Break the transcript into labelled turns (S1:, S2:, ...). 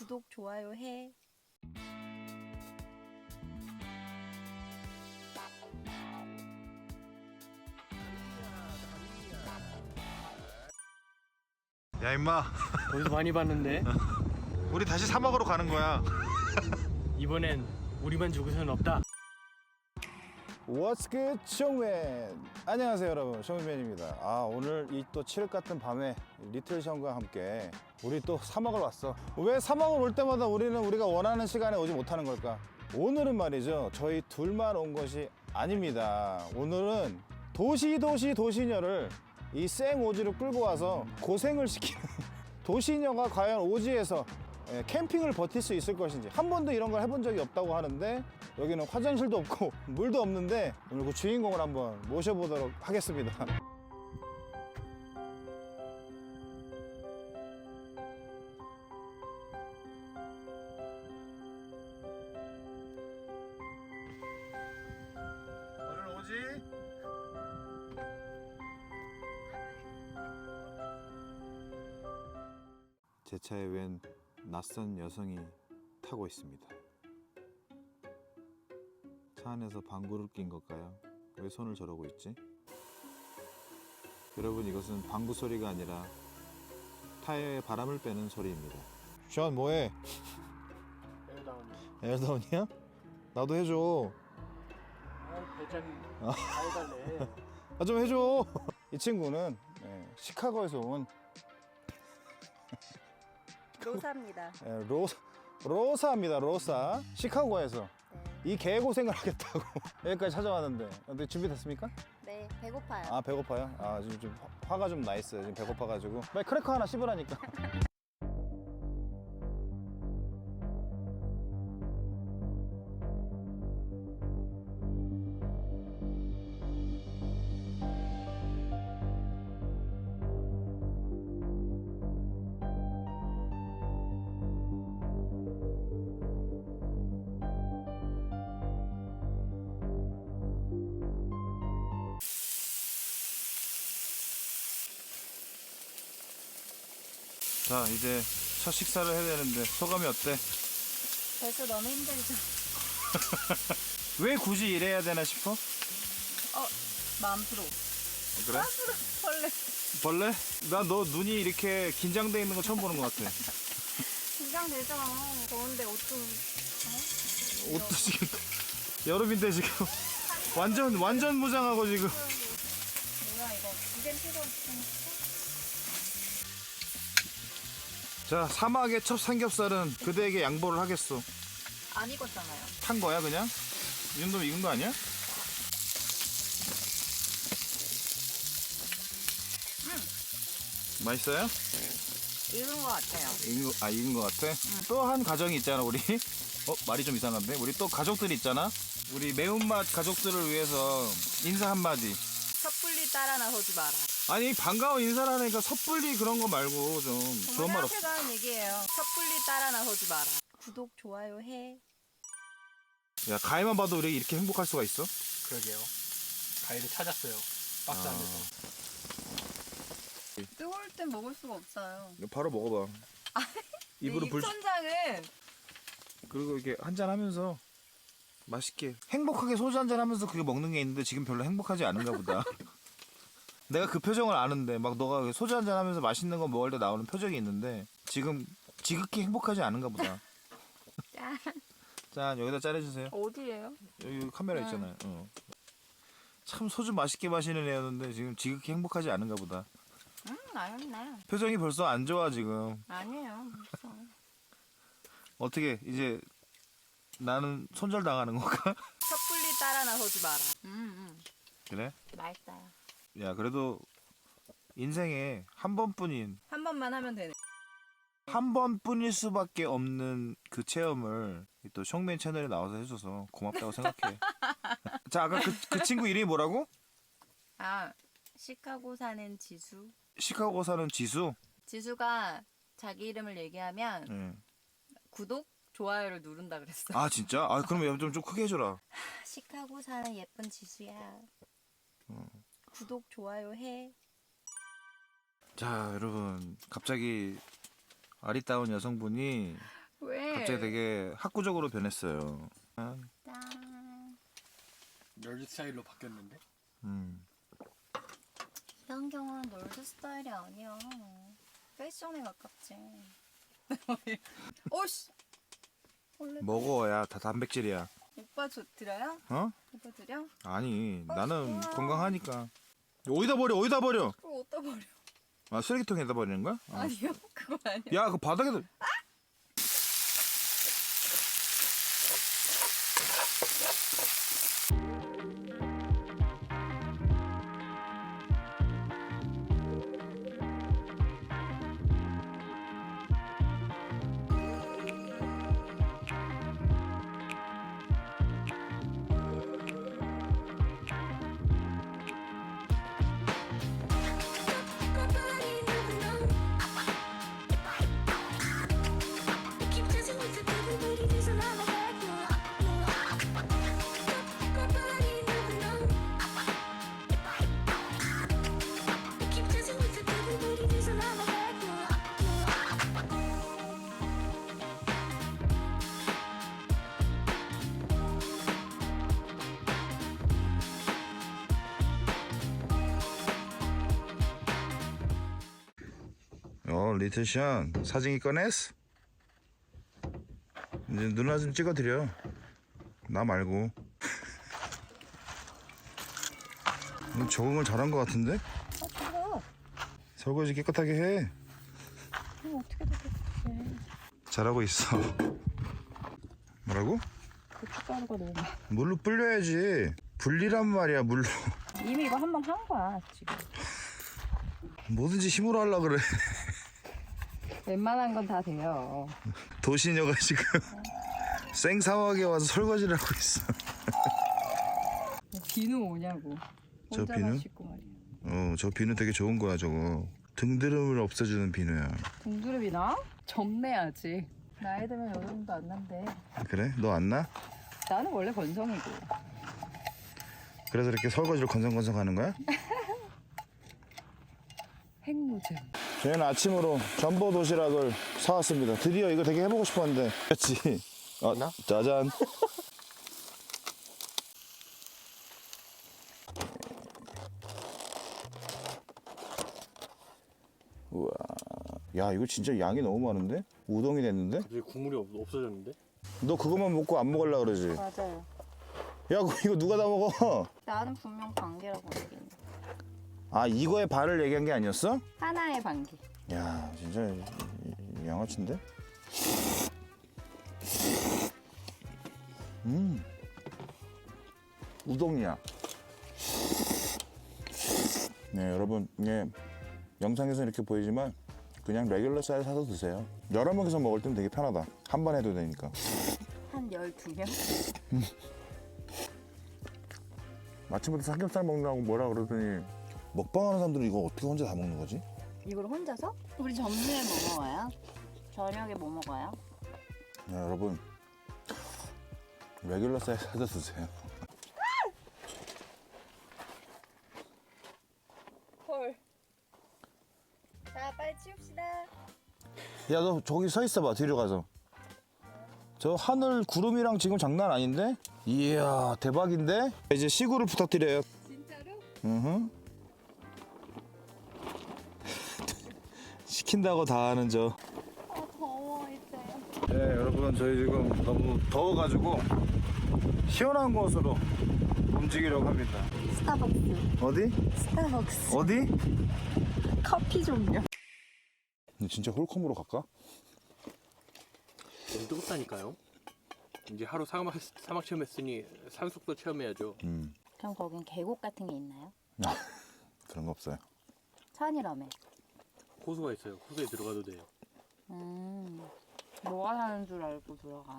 S1: 구독, 좋아요 해.
S2: 야 임마
S3: 거기서 많이 봤는데
S2: 우리 다시 사막으로 가는 거야.
S3: 이번엔 우리만 죽을 수는 없다.
S4: What's good, 숑맨? 안녕하세요 여러분, 숑맨입니다. 오늘 이 또 칠흑 같은 밤에 리틀 션과 함께 우리 또 사막을 왔어. 왜 사막을 올 때마다 우리는 우리가 원하는 시간에 오지 못하는 걸까? 오늘은 말이죠, 저희 둘만 온 것이 아닙니다. 오늘은 도시녀를 이 생오지로 끌고 와서 고생을 시키는 도시녀가 과연 오지에서 캠핑을 버틸 수 있을 것인지, 한 번도 이런 걸 해본 적이 없다고 하는데 여기는 화장실도 없고 물도 없는데 오늘 그 주인공을 한번 모셔보도록 하겠습니다.
S2: 오늘 오지?
S4: 제 차에 웬 낯선 여성이 타고 있습니다. 차 안에서 방구를 낀 걸까요? 왜 손을 저러고 있지? 여러분, 이것은 방구 소리가 아니라 타이어에 바람을 빼는 소리입니다. 션 뭐해? 에어다운이야? 나도 해줘.
S3: 배짱이 해달래.
S4: 좀 해줘. 이 친구는 시카고에서 온
S1: 로사입니다.
S4: 로사입니다. 로사. 시카고에서 이 개고생을 하겠다고 여기까지 찾아왔는데, 근데 준비됐습니까?
S1: 네, 배고파요.
S4: 배고파요? 지금 좀 화가 좀 나 있어요. 지금 배고파가지고 빨리 크래커 하나 씹으라니까. 자, 이제 첫 식사를 해야 되는데 소감이 어때?
S1: 벌써 너무 힘들죠?
S4: 왜 굳이 이래야 되나 싶어?
S1: 마음 프로.
S4: 그래?
S1: 벌레.
S4: 벌레? 나 너 눈이 이렇게 긴장돼 있는 거 처음 보는 것 같아.
S1: 긴장되죠. 더운데 옷도
S4: 옷도 지금 여름인데 지금 완전 무장하고 지금.
S1: 뭐야 이거. 이젠 필요 없으니까.
S4: 자, 사막의 첫 삼겹살은 그대에게 양보를 하겠소.
S1: 안 익었잖아요.
S4: 탄 거야 그냥? 이 정도면 익은 거 아니야? 맛있어요?
S1: 익은 것 같아요.
S4: 익은 거 같아? 또 한 가정이 있잖아 우리. 말이 좀 이상한데? 우리 또 가족들이 있잖아. 우리 매운맛 가족들을 위해서 인사 한마디.
S1: 섣불리 따라 나서지 마라.
S4: 아니, 반가운 인사를 하니까 섣불리 그런 거 말고 좀 좋은 말 없어?
S1: 생각해서 하는 얘기예요. 섣불리 따라 나서지 마라. 구독, 좋아요 해.
S4: 야, 가위만 봐도 우리 이렇게 행복할 수가 있어?
S3: 그러게요. 가위를 찾았어요. 박스 안에서.
S1: 뜨거울 땐 먹을 수가 없어요.
S4: 바로 먹어봐. 입으로 불.
S1: 입천장은
S4: 그리고 이렇게 한잔 하면서 맛있게 행복하게 소주 한잔 하면서 그게 먹는 게 있는데 지금 별로 행복하지 않은가 보다. 내가 그 표정을 아는데, 막 너가 소주 한잔 하면서 맛있는 거 먹을 때 나오는 표정이 있는데 지금 지극히 행복하지 않은가 보다.
S1: 짠.
S4: 자, 여기다 짜내주세요.
S1: 어디예요?
S4: 여기 카메라 있잖아요. 참 소주 맛있게 마시는 애였는데 지금 지극히 행복하지 않은가 보다.
S1: 아니네.
S4: 표정이 벌써 안 좋아 지금.
S1: 아니에요. 무서워.
S4: 어떻게 이제 나는 손절당하는 건가?
S1: 섣불리 따라 나서지 마라.
S4: 그래?
S1: 맛있어요.
S4: 야, 그래도 인생에 한 번뿐인,
S1: 한 번만 하면 되네.
S4: 한 번뿐일 수밖에 없는 그 체험을 또 숑맨 채널에 나와서 해줘서 고맙다고 생각해. 자, 아까 그 친구 이름이 뭐라고?
S1: 시카고 사는 지수.
S4: 시카고 사는 지수?
S1: 지수가 자기 이름을 얘기하면
S4: 네.
S1: 구독, 좋아요를 누른다 그랬어.
S4: 아, 진짜? 그럼 좀 크게 해줘라.
S1: 시카고 사는 예쁜 지수야. 구독, 좋아요 해.
S4: 자, 여러분, 갑자기 아리따운 여성분이
S1: 왜?
S4: 갑자기 되게 학구적으로 변했어요.
S1: 짠.
S3: 널드 스타일로 바뀌었는데?
S1: 이 안경은 널드 스타일이 아니야. 패션에 가깝지. 오씨. 원래
S4: 먹어야 다 단백질이야.
S1: 오빠 드려요?
S4: 어?
S1: 오빠 드려?
S4: 아니 나는
S1: 좋아.
S4: 건강하니까. 어디다 버려? 어디다 버려?
S1: 그거 어디다 버려?
S4: 아 쓰레기통에다 버리는 거야?
S1: 아니요, 그거 아니야.
S4: 야 그 바닥에도. 리틀션 사진기 꺼냈어? 이제 누나 좀 찍어드려. 나 말고. 적응을 잘한 것 같은데?
S1: 그거.
S4: 설거지 깨끗하게 해.
S1: 그럼 어떻게 다 깨끗해?
S4: 잘하고 있어. 뭐라고?
S1: 고춧가루가 너무 많아.
S4: 물로 불려야지. 불리란 말이야 물로.
S1: 이미 이거 한 번 한 거야 지금.
S4: 뭐든지 힘으로 하려 그래.
S1: 웬만한 건 다 돼요.
S4: 도시녀가 지금 생사막에 와서 설거지를 하고 있어.
S1: 비누 오냐고.
S4: 저
S1: 혼자만
S4: 비누?
S1: 씻고 말이야.
S4: 저 비누 되게 좋은 거야 저거. 등드름을 없애주는 비누야.
S1: 등두릅이 나? 점내야지. 나이 들면 여드름도 안 난대.
S4: 그래? 너 안 나?
S1: 나는 원래 건성이고.
S4: 그래서 이렇게 설거지를 건성건성 하는 거야?
S1: 핵무즘.
S4: 저희는 아침으로 전보 도시락을 사왔습니다. 드디어 이거 되게 해보고 싶었는데. 그렇지.
S3: 나?
S4: 짜잔. 우와. 야 이거 진짜 양이 너무 많은데? 우동이 됐는데?
S3: 갑자기 국물이 없어졌는데?
S4: 너 그것만 먹고 안 먹으려고 그러지?
S1: 맞아요.
S4: 야 이거 누가 다 먹어?
S1: 나는 분명 반개라고 얘기했는데.
S4: 아 이거의 반을 얘기한 게 아니었어?
S1: 하나의 반개.
S4: 야 진짜 양아치인데? 우동이야. 네 여러분 이게 영상에서 이렇게 보이지만 그냥 레귤러 쌀 사서 드세요. 여러 명이서 먹을 땐 되게 편하다. 한 번 해도 되니까.
S1: 한 12명?
S4: 아침부터 삼겹살 먹느라고 뭐라 그러더니 먹방하는 사람들은 이거 어떻게 혼자 다 먹는 거지?
S1: 이걸 혼자서? 우리 점심에 뭐 먹어요? 저녁에 뭐 먹어요?
S4: 야, 여러분 레귤러 쌀 사서 드세요.
S1: 헐. 자, 빨리 치웁시다.
S4: 야 너 저기 서 있어봐. 뒤로 가서. 저 하늘 구름이랑 지금 장난 아닌데? 이야 대박인데? 이제 시구를 부탁드려요.
S1: 진짜로?
S4: 시킨다고 다 하는 저.
S1: 아, 더워 이제.
S4: 네 여러분 저희 지금 너무 더워가지고 시원한 곳으로 움직이려고 합니다.
S1: 스타벅스.
S4: 어디?
S1: 스타벅스.
S4: 어디?
S1: 커피 종류.
S4: 진짜 홀컴으로 갈까?
S3: 너무 뜨겁다니까요. 이제 하루 사막 체험했으니 산속도 체험해야죠.
S1: 그럼 거긴 계곡 같은 게 있나요?
S4: 그런 거 없어요.
S1: 산이라며.
S3: 호수가 있어요. 호수에 들어가도 돼요.
S1: 뭐가 사는 줄 알고 들어가.